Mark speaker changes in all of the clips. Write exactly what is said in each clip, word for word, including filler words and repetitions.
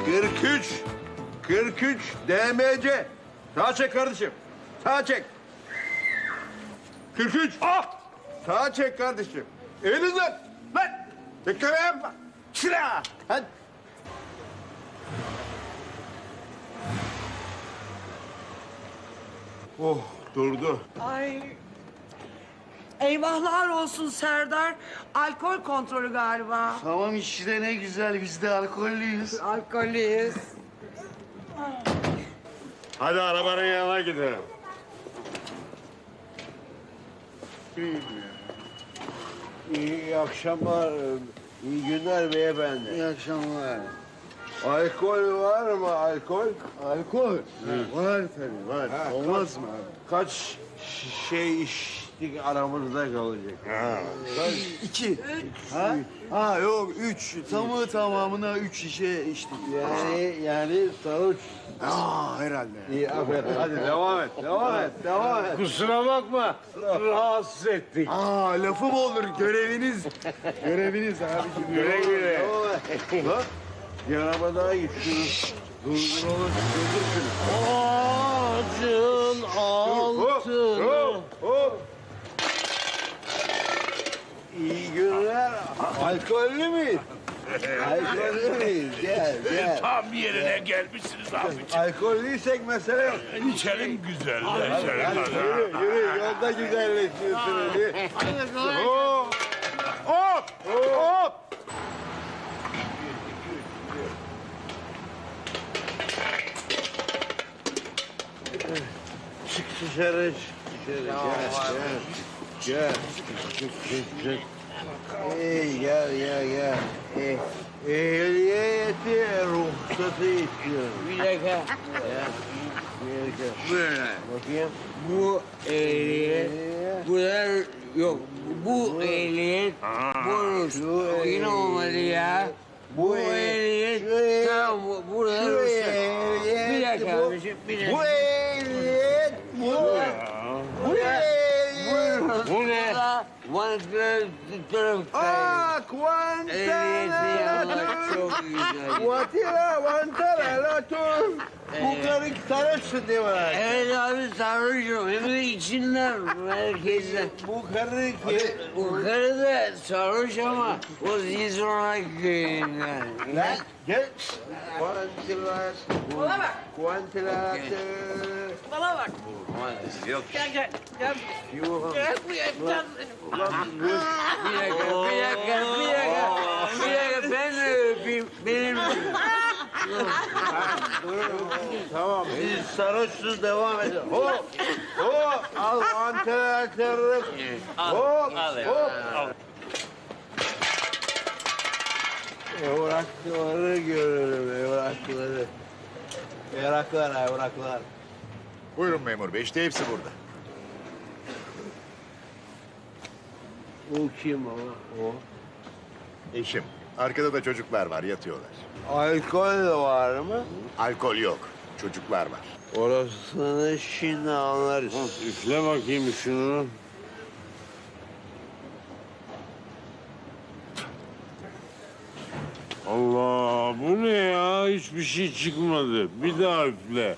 Speaker 1: kırk üç. kırk üç D M C. Sağa çek kardeşim. Sağa çek. kırk üç. Ah! Sağa çek kardeşim. Elinizden. Lan! Bekleme yapma. Sıra. Hadi. Oh, durdu.
Speaker 2: Ay. Eyvahlar olsun Serdar. Alkol kontrolü galiba.
Speaker 3: Tamam işte ne güzel biz de alkollüyüz.
Speaker 2: Alkolüyüz.
Speaker 1: Hadi arabanın yanına gidelim. İyi akşamlar, iyi günler beyefendi.
Speaker 3: İyi akşamlar.
Speaker 1: Alkol var mı, alkol?
Speaker 3: Alkol? Var tabii var.
Speaker 1: Ha,
Speaker 3: Olmaz mı abi?
Speaker 1: Kaç şey içtik aramızda kalacak? Ha.
Speaker 3: İki. Ha? Ha yok üç. Tamı tamamına üç şişe içtik.
Speaker 1: Yani, yani sarhoş.
Speaker 3: Aa herhalde.
Speaker 1: İyi, aferin. Hadi devam et, devam et, devam et.
Speaker 4: Kusura bakma, rahatsız ettik.
Speaker 3: Aa lafı mı olur göreviniz? göreviniz abi.
Speaker 1: Güle güle. Bak, bir araba daha gitti. Durduralım, durdur şunu.
Speaker 4: Ağacın altını.
Speaker 1: Hop, hop. İyi günler. Alkollü müyüz? Alkollü müyüz? Gel, gel.
Speaker 4: Tam yerine gelmişsiniz abiciğim.
Speaker 1: Alkollüysek mesele yok.
Speaker 4: İçelim güzel,
Speaker 1: Hadi,
Speaker 4: içelim.
Speaker 1: hadi, yürü, yürü. Yolda güzelleşiyorsun hadi. Hop, hop, hop. Çık dışarı, çık dışarı. Gel, gel. Gel, çık, çık, çık. Ey, gel, gel, gel. Eh, ehliyeti, ruhsatı istiyorum.
Speaker 5: Bir dakika.
Speaker 1: Ya, bir dakika.
Speaker 5: Böyle.
Speaker 1: Bakayım.
Speaker 5: Bu ehliyet, bunlar yok. Bu ehliyet, bu
Speaker 1: Şu
Speaker 5: yine olmadı ya.
Speaker 1: Bu
Speaker 5: Bu
Speaker 1: ehliyet, şu
Speaker 5: ehliyet,
Speaker 1: ehliyet,
Speaker 5: tamam bu, burada
Speaker 1: şu
Speaker 5: ruhsat.
Speaker 1: ehliyet,
Speaker 5: Bir dakika
Speaker 1: bu-
Speaker 5: abiciğim, bir dakika.
Speaker 1: Bu ehliyet, bu, bu ehliyet.
Speaker 5: Bu ne? Vantilatör tarafı.
Speaker 1: Aa,
Speaker 5: Ehliyeti yapmak
Speaker 1: kuantalatör.
Speaker 5: çok güzel.
Speaker 1: Kuatila, vantalatör. Bu karı sarhoşsun değil mi?
Speaker 5: Evet abi sarhoşum. Hem de içinden, merkezden.
Speaker 1: Bu karı ki...
Speaker 5: Bu karı da sarhoş ama o Zizona köyünden.
Speaker 1: Lan gel. Kuantilatör.
Speaker 2: Bana bak.
Speaker 1: Kuantilatör.
Speaker 2: Bana bak.
Speaker 5: Yok.
Speaker 2: Gel gel. Gel.
Speaker 1: Yuh.
Speaker 2: Gel buraya. Gel.
Speaker 1: Ulan dur.
Speaker 5: Bir dakika, bir dakika, bir dakika. Bir dakika, ben de öpeyim. Benim...
Speaker 1: Tamam, siz sarhoşsunuz devam edin. Hop, hop, al vantilatörü. Hop, hop. Evrakları görürüm, evrakları. Evraklar, evraklar.
Speaker 6: Buyurun memur bey, işte hepsi burada.
Speaker 1: O kim o? O.
Speaker 6: Eşim, arkada da çocuklar var, yatıyorlar.
Speaker 1: Alkol de var mı?
Speaker 6: Alkol yok, çocuklar var.
Speaker 1: Orasını şimdi anlarız.
Speaker 4: Üfle bakayım şunu. Allah, bu ne ya? Hiçbir şey çıkmadı. Bir daha üfle.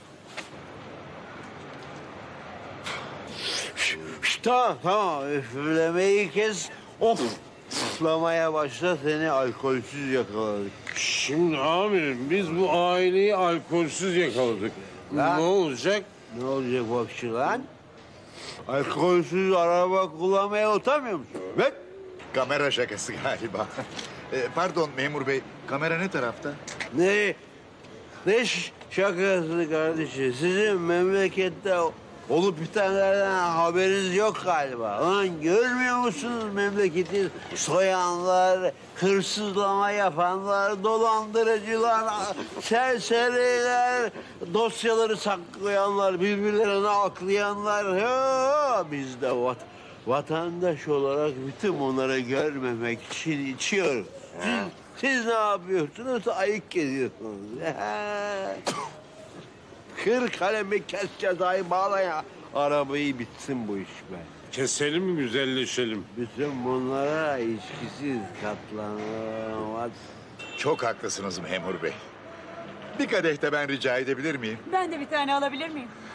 Speaker 1: Şşt, tamam, tamam. Üflemeyi kes. Of! Üflemeye başla, seni alkolsüz yakaladık.
Speaker 4: Şimdi amirim, biz bu aileyi alkolsüz yakaladık.
Speaker 1: Lan.
Speaker 4: Ne olacak?
Speaker 1: Ne olacak bakşı lan? Alkolsüz araba kullanmaya utanmıyor musun? Bek!
Speaker 6: Kamera şakası galiba. E, pardon memur bey, kamera ne tarafta?
Speaker 1: Ne? Ne ş- şakası kardeşim? Sizin memlekette olup bitenlerden haberiniz yok galiba. Lan görmüyor musunuz memleketi soyanlar, hırsızlama yapanlar, dolandırıcılar, serseriler, dosyaları saklayanlar, birbirlerine aklayanlar. Ha, biz de vat vatandaş olarak bütün bunları görmemek için içiyoruz. Siz, siz ne yapıyorsunuz? Ayık geziyorsunuz. Kır kalemi kes cezayı bağla ya. Arabayı bitsin bu iş be.
Speaker 4: Keselim mi, güzelleşelim?
Speaker 1: Bütün bunlara içkisiz katlanamaz.
Speaker 6: Çok haklısınız memur bey. Bir kadeh de ben rica edebilir miyim?
Speaker 7: Ben de bir tane alabilir miyim?